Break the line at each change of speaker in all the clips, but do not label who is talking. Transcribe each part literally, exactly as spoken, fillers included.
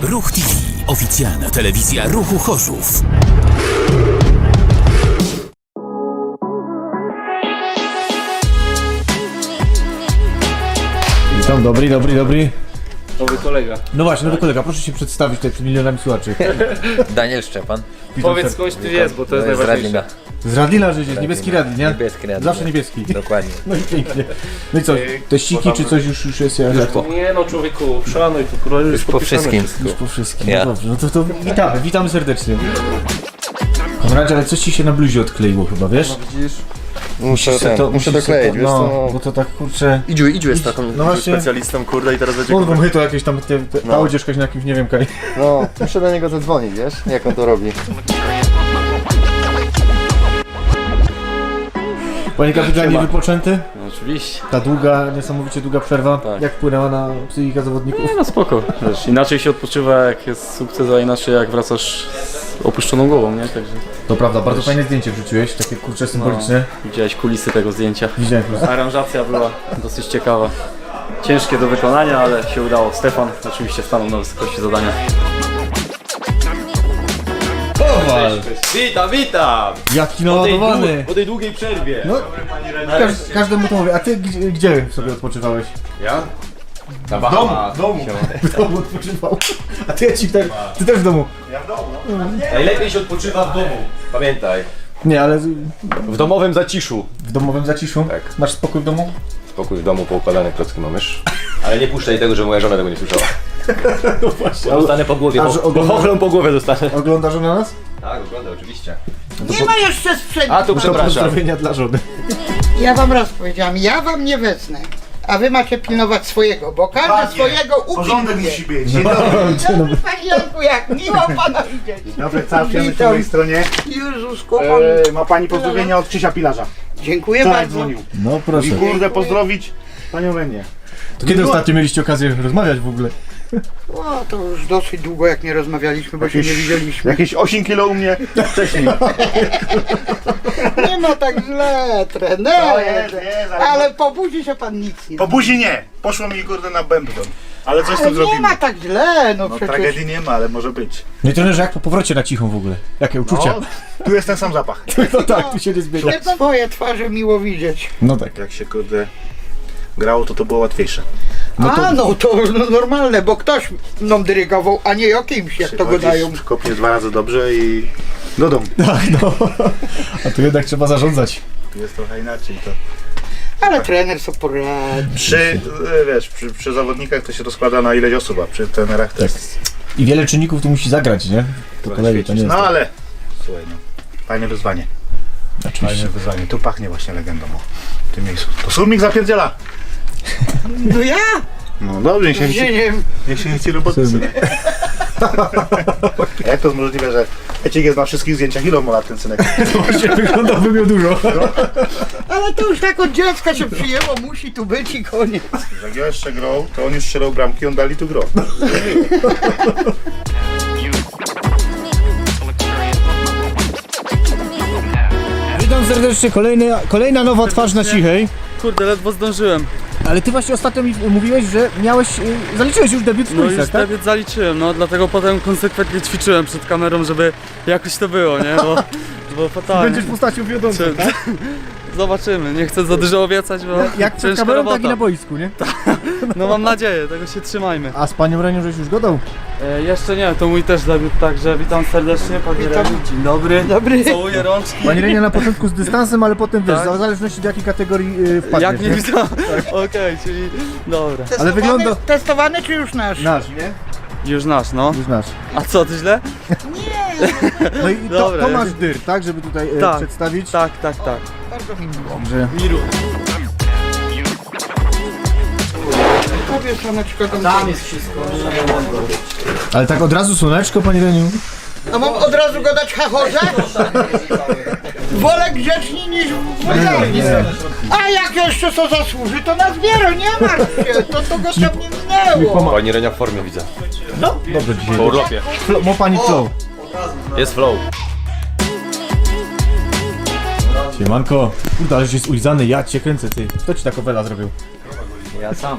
Ruch T V. Oficjalna telewizja Ruchu Chorzów.
Witam, dobry, dobry, dobry.
Nowy kolega.
No właśnie, nowy kolega, proszę się przedstawić tutaj przed milionami słuchaczy.
Daniel Szczepan.
Powiedz skądś ty jest, bo to jest
z
najważniejsze.
Radlina.
Z Radlina, że jest niebieski Radlin, nie?
Niebieski Radlin.
Zawsze niebieski.
Dokładnie.
No i pięknie. No i co, te ściki czy coś już, już jest? Jak to?
Nie no człowieku, szanuj tu kurwa, już,
Już po
podpisane
wszystkim.
wszystko.
Już po wszystkim.
Ja.
No dobrze, no to, to witamy, witamy serdecznie. Konradzie, ale coś ci się na bluzie odkleiło chyba, wiesz?
Widzisz? Muszę,
Musisz
ten,
to-
muszę
musisz
dokleić,
to-
wiesz
no,
co?
bo to tak kurczę...
Idziu, Idziu jest taką
No właśnie.
specjalistą, kurde, i teraz będzie...
Mogą my to jakieś tam, te, te, ta
No.
odzieżka na kimś, nie wiem, kaj.
No, muszę do niego zadzwonić, wiesz, jak on to robi.
Panie kapitanie, wypoczęty?
No, oczywiście.
Ta długa, niesamowicie długa przerwa,
Tak.
jak wpłynęła na psychikę zawodników?
Nie no spoko, wiesz, inaczej się odpoczywa jak jest sukces, a inaczej jak wracasz z opuszczoną głową, nie? Także
To prawda, bardzo fajne zdjęcie wrzuciłeś, takie kurcze symboliczne.
widziałeś kulisy tego zdjęcia.
Widziałem po prostu.
Aranżacja była dosyć ciekawa. Ciężkie do wykonania, ale się udało. Stefan oczywiście stanął na wysokości zadania.
Kowal!
Witam, witam!
Jaki
Po tej,
naładowany!
dłu- po tej długiej przerwie.
No, każ, każdemu to mówię, a ty gdzie, gdzie sobie odpoczywałeś?
Ja? Na
W domu,
Bahamach.
w domu, w domu odpoczywał. A ty, ja ci tak, ty też w domu.
Najlepiej się odpoczywa w domu. Pamiętaj.
Nie, ale
W domowym zaciszu.
w domowym zaciszu?
Tak.
Masz spokój w domu?
Spokój w domu, poukładane klocki mam już. Ale nie puszczaj tego, że moja żona tego nie słyszała.
No właśnie.
Bo dostanę po głowie,
A,
bo,
że
bo
ogląda-
chochlą po głowie dostanę.
Oglądasz na nas?
Tak, oglądam oczywiście.
Nie ma jeszcze sprzętu.
A tu
To
przepraszam.
pozdrowienia dla żony.
Ja wam raz powiedziałam, ja wam nie wezmę. A wy macie pilnować swojego, bo każdy swojego upilnuje.
musi być.
No, dzień dobry.
Panie Janku, jak miło pana widzieć.
Dobry, całuję po
Witam.
mojej stronie.
Jezus, kochany.
E, ma pani pozdrowienia od Krzysia Pilarza.
Dziękuję
Wczoraj
bardzo.
dzwonił.
No proszę.
I kurde pozdrowić panią Lenię.
To kiedy ostatnio mieliście okazję rozmawiać w ogóle?
O, to już dosyć długo jak nie rozmawialiśmy, bo się nie widzieliśmy.
Jakieś osiem kilo u mnie wcześniej.
Nie ma tak źle,
To
trener.
jest, jest, ale-
Ale po buzi się pan nic nie
Po buzi nie. Poszło mi kurde na bębton. Ale coś z
Ale
tym
nie
zrobimy.
ma tak źle, no,
No
przecież.
tragedii nie ma, ale może być.
No i trenerze, jak po powrocie na cichą w ogóle? Jakie uczucia?
No, tu jest ten sam zapach.
No tak, tu się nie zmienia.
Swoje twarze miło widzieć.
No tak.
Jak się kurde grało, to to było łatwiejsze.
No to-
A no to no, normalne, bo ktoś mną dyrygował, a nie o kimś, jak to go dają.
Kopnie dwa razy dobrze i do domu.
Tak, no. A tu jednak trzeba zarządzać.
Tu jest trochę inaczej to.
Ale trener sobie poradzi.
Przy, e, wiesz, przy, przy zawodnikach to się rozkłada na ileś osób, a przy trenerach to jest
I wiele czynników tu musi zagrać, nie? Po
trochę
kolei to nie
świecić.
jest.
No
tak.
ale słuchaj no, fajne wyzwanie.
Oczywiście.
Fajne wyzwanie. Tu pachnie właśnie legendą o w tym miejscu. To Surmik zapierdziela!
No ja?
No dobrze, niech się, niech się,
Wzięciem.
niech się nie chce roboty sobie. A jak to jest możliwe, że Eciek jest na wszystkich zdjęciach? Ile on ma lat ten synek?
Właśnie wyglądałby miał dużo.
Ale to już tak od dziecka się przyjęło, musi tu być i koniec.
Jak ja jeszcze grał, to on już strzelał bramki, on dali tu grał.
Witam serdecznie, kolejny, kolejna nowa twarz na cichej.
Kurde, ledwo zdążyłem.
Ale ty właśnie ostatnio mi mówiłeś, że miałeś, y, zaliczyłeś już debiut w
No już
kulisach, tak?
debiut zaliczyłem, no dlatego potem konsekwentnie ćwiczyłem przed kamerą, żeby jakoś to było, nie? Bo, bo fatalnie.
Będziesz postacią wiodącą,
Czy-
tak?
Zobaczymy, nie chcę za dużo obiecać, bo
Jak przed
ciężka
kamerą,
robota.
tak i na boisku, nie?
No mam nadzieję, tego się trzymajmy.
A z panią Renią żeś już gadał?
E, jeszcze nie, to mój też debiut, także witam serdecznie, panie Reniu. Dzień dobry.
Dobry.
Całuję rączki.
Pani Renia na początku z dystansem, ale potem wiesz,
Tak.
w zależności do jakiej kategorii y, wpadniesz,
Jak nie widzę. Okej, czyli dobra.
Testowany,
wygląda-
Testowany czy już nasz?
Nasz, nie?
Już nasz, no.
Już nasz.
A co, ty źle?
No i to,
Dobra,
to
ja-
masz dyr, tak? Żeby tutaj y,
Tak.
przedstawić.
Tak, tak, tak.
Bardzo mi miło.
Że...
Miru.
Powiedz, Aneczko, tam, tam jest.
Ale tak od razu słoneczko, pani Reniu?
A mam od razu go dać hachorze? Wolę grzecznie niż wulgarnie. A jak jeszcze co zasłuży, to na zbiero, nie martw się. To, to go tam nie minęło.
Pani Renia w formie widzę.
No, dobrze dzisiaj.
Po urlopie.
Flo, ma pani flow.
Jest flow.
Siemanko. Kurde, ale jest ulizany, ja cię kręcę, ty. Kto ci tak owela zrobił?
Ja sam.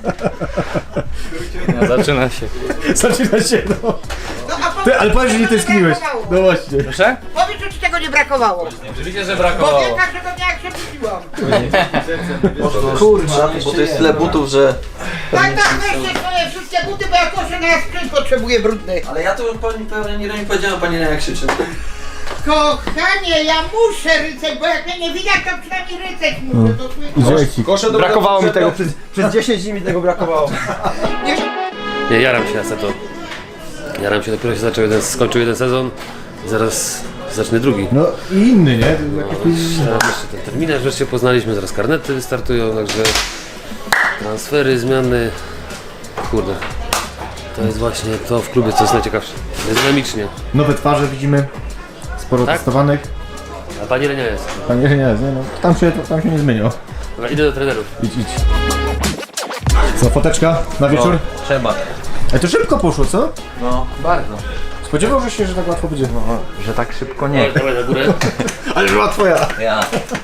No, zaczyna się.
Zaczyna się, no.
No, a powiedz,
Ty, ale powiedz, że nie
czego
tęskniłeś.
brakowało?
No właśnie.
Proszę?
Powiedz, że ci tego nie brakowało.
Oczywiście, że
Bo
brakowało.
wiem każdego dnia jak się budziłam.
Kurczę, bo to jest tyle butów, że...
Tak, tak, weźcie swoje wszystkie buty, bo ja koszę na sprzęt potrzebuję brudny.
Ale ja to pani pewnie nie, nie powiedziałem, pani jak krzyczy.
Kochanie, ja muszę ryceć, bo jak mnie nie widać, to przynajmniej ryceć muszę. To słyszę.
Dzieci.
Brakowało mi tego przez...
Przez dziesięć dni mi tego brakowało.
Nie, jaram się na seto. Jaram się, dopiero się zaczął jeden, skończył jeden sezon i zaraz zacznę drugi.
No i inny, nie?
Teraz jeszcze ten terminarz wreszcie poznaliśmy, zaraz karnety startują, także transfery, zmiany. Kurde, to jest właśnie to w klubie, co jest najciekawsze. Jest dynamicznie.
Nowe twarze widzimy. Sporo
Tak?
testowanych.
A pani Lenia jest.
Panie nie, nie, no. Tam się, tam się nie zmieniło.
Dobra, idę do trenerów.
Idź, idź. Co, foteczka na wieczór?
Trzeba.
A to szybko poszło, co?
No, bardzo.
Spodziewałbyś się, że tak łatwo będzie?
Że tak szybko nie.
Dawaj na górę.
Ale była twoja!
Ja.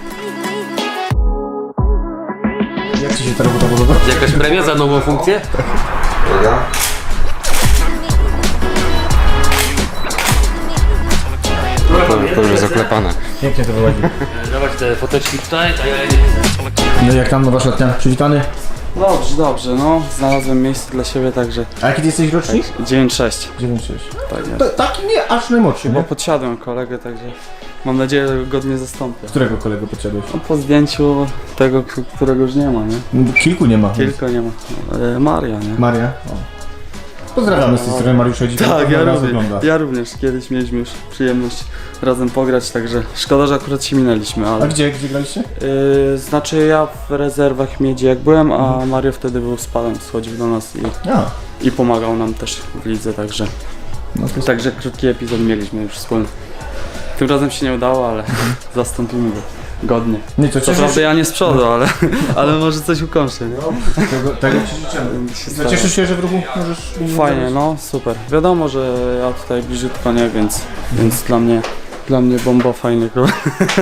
Jak ci się ta robota podoba?
Jakaś premia za nową funkcję?
To już zaklepane.
Pięknie to wychodzi.
Dawać te foteczki tutaj, a ja
No i jak tam nowa szatnia? Przywitany?
Dobrze, dobrze, no. Znalazłem miejsce dla siebie, także
A jaki ty jesteś rocznik?
dziewięć sześć.
dziewięć sześć.
Tak jest.
To taki nie aż najmłodszy,
Bo
nie?
podsiadłem kolegę, także mam nadzieję, że go godnie zastąpię.
Którego kolego podsiadłeś?
No, po zdjęciu tego, k- którego już nie ma, nie?
Kilku nie ma.
Kilka nie ma. E, Maria, nie?
Maria. O. Pozdrawiamy z tej strony Mariusza Dzika.
Tak, ja
raz
również,
wygląda.
ja również. Kiedyś mieliśmy już przyjemność razem pograć, także szkoda, że akurat się minęliśmy,
A
ale...
gdzie, gdzie graliście?
Yy, znaczy ja w rezerwach Miedzi jak byłem, a Mario wtedy był spadem, schodził do nas i,
A,
i pomagał nam też w lidze, także...
no to
Także krótki epizod mieliśmy już wspólny. Tym razem się nie udało, ale zastąpimy go godnie.
nie, to
Co
cieszysz
prawda ja nie z przodu, ale, ale może coś ukończę, nie?
tego, tego ci życzymy.
Się
No,
stara.
cieszysz się, że w ruchu możesz...
Fajnie, no super. Wiadomo, że ja tutaj bliziutko nie, więc, więc dla mnie dla mnie bomba fajny klub.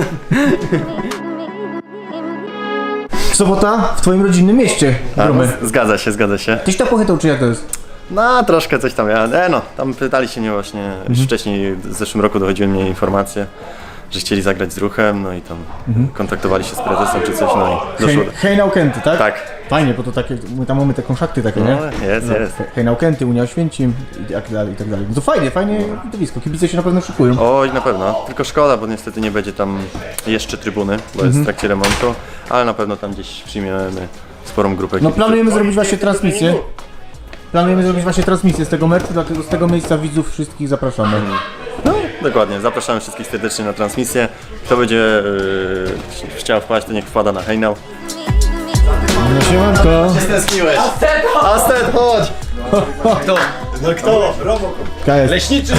Sobota w twoim rodzinnym mieście, Gromy.
Zgadza się, zgadza się.
Tyś to pochytał, czy jak to jest?
No, troszkę coś tam, ja, e, no, tam pytali się mnie właśnie, już wcześniej, w zeszłym roku dochodziły mnie informacje, że chcieli zagrać z ruchem, no i tam kontaktowali się z prezesem czy coś, no i doszło do...
Hej Naukenty, tak?
Tak,
Fajnie, bo to takie, my tam mamy te konszakty takie, nie?
no, jest,
No,
jest.
Hej Naukenty, Unia Oświęcim i tak dalej, i tak dalej. No to fajnie, fajnie widowisko, kibice się na pewno szykują.
Oj, na pewno, tylko szkoda, bo niestety nie będzie tam jeszcze trybuny, bo jest w trakcie remontu, ale na pewno tam gdzieś przyjmiemy sporą grupę
No
kibiców.
planujemy zrobić właśnie transmisję. Planujemy zrobić właśnie transmisję z tego meczu, dlatego z tego miejsca widzów wszystkich zapraszamy.
No, dokładnie, zapraszamy wszystkich serdecznie na transmisję. Kto będzie yy, chciał wpaść, to niech wpada na hejnał.
No siemanko.
Stęskniłeś! Astet, chodź! Kto? No kto?
K S.
Leśniczy!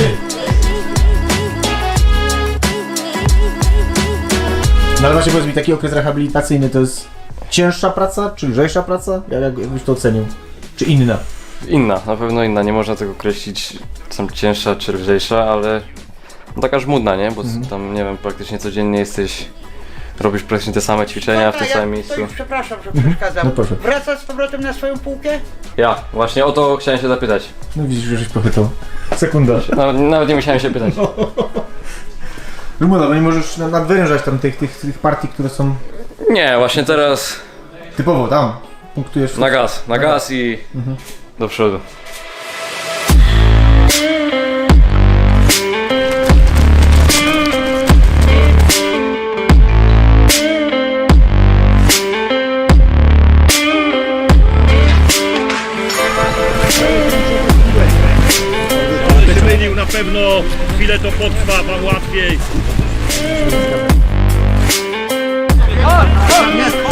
No ale właśnie powiedz mi, taki okres rehabilitacyjny to jest cięższa praca, czy lżejsza praca? Jak, jak jakbyś to ocenił? Czy inna?
Inna, na pewno inna. Nie można tego określić, czy są cięższa czy lżejsza, ale no taka żmudna, nie? Bo tam, nie wiem, praktycznie codziennie jesteś, robisz praktycznie te same ćwiczenia w tym
Dobra,
samym
ja,
miejscu.
To już przepraszam, że przeszkadzam.
No proszę.
Wracasz z powrotem na swoją półkę?
Ja, właśnie o to chciałem się zapytać.
No widzisz, że żeś pochytał. Sekunda.
Nawet, nawet nie musiałem się pytać.
Rumuda, no nie możesz na- nadwyrężać tam tych, tych, tych partii, które są
Nie, właśnie teraz
typowo tam. Punktujesz.
na gaz, na gaz i do przodu.
Zmienił na pewno, chwilę to potrwa, wam łatwiej.